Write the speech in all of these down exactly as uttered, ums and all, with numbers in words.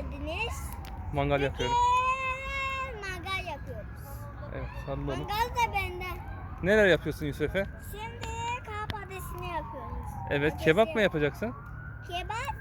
geldiniz. Mangal yapıyorum. Bugün mangal yapıyoruz. Evet, sallanıp. Mangal da benden. Neler yapıyorsun Yusuf Efe? Şimdi kağıt patatesini yapıyoruz. Evet, Patatesi. kebap mı yapacaksın? Kebap.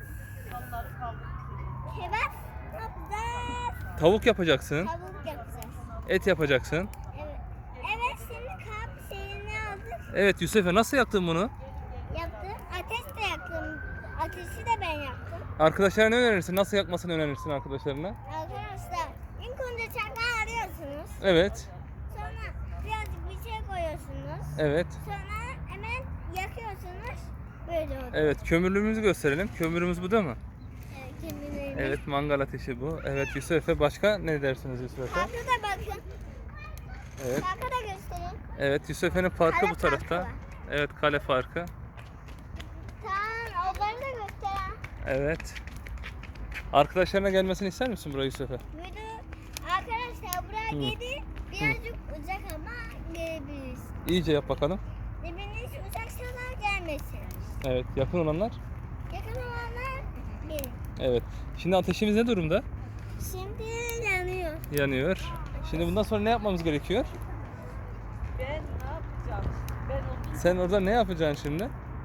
Kebap yapacağız. Tavuk yapacaksın. Tavuk yapacağız. Et yapacaksın. Evet. Evet, şimdi kağıt şeyini aldık. Evet Yusuf Efe, nasıl yaptın bunu? Yaptım. Ateş de yaktım. Ateşi de ben yaktım. Arkadaşlarına ne önerirsin? Nasıl yakmasını önerirsin arkadaşlarına? Arkadaşlar ilk önce çakal arıyorsunuz. Evet. Sonra birazcık bir şey koyuyorsunuz. Evet. Sonra hemen yakıyorsunuz. Böyle oluyor. Evet, kömürlüğümüzü gösterelim. Kömürümüz bu değil mi? Evet, kendilerini. Evet, mangal ateşi bu. Evet Yusuf Efe, başka ne dersiniz Yusuf Efe? Parka da bakın. Evet. Parka da göstereyim. Evet, Yusuf Efe'nin parkı Kale bu tarafta. parkı var. Evet, kale parkı. Tamam, onları da gösteren. Evet. Arkadaşlarına gelmesini ister misin buraya Yusuf Efe? Video arkadaşlar buraya Hı. gelin. Birazcık uzak ama gelebiliriz. İyice yap bakalım. Dibiniz uzaksalar gelmesin. Evet, yakın olanlar. Yakın olanlar gelin. Evet. Şimdi ateşimiz ne durumda? Şimdi yanıyor. Yanıyor. Şimdi bundan sonra ne yapmamız gerekiyor? Ben ne yapacağım? Ben onu Sen orada ne yapacaksın şimdi?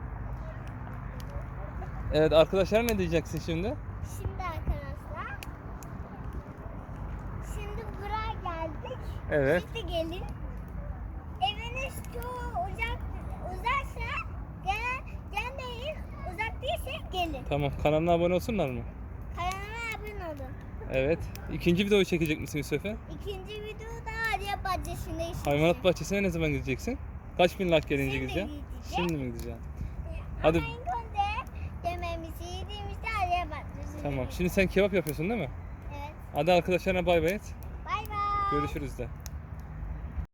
Evet, arkadaşlara ne diyeceksin şimdi? Şimdi arkadaşlar. Şimdi buraya geldik. Evet. Şimdi gelin. Eviniz çok uzak uzaksa gel gel değil. Uzak değilse gelin. Tamam, kanalına abone olsunlar mı? Kanalıma abone olun. Evet. İkinci videoyu çekecek misin Yusuf Efe? İkinci videoda Arya Bahçesi'nde işleyeceğim. Hayvanat bahçesine ne zaman gideceksin? Kaç bin like gelince Şimdi gideceksin? gideceğim. Şimdi mi gideceksin? Hadi. Hadi. Ama ilk önce yemeğimizi yediğimizde Arya Bahçesi'nde. Tamam. Şimdi sen kebap yapıyorsun değil mi? Evet. Hadi arkadaşlarına bay bay et. Bay bay. Görüşürüz de.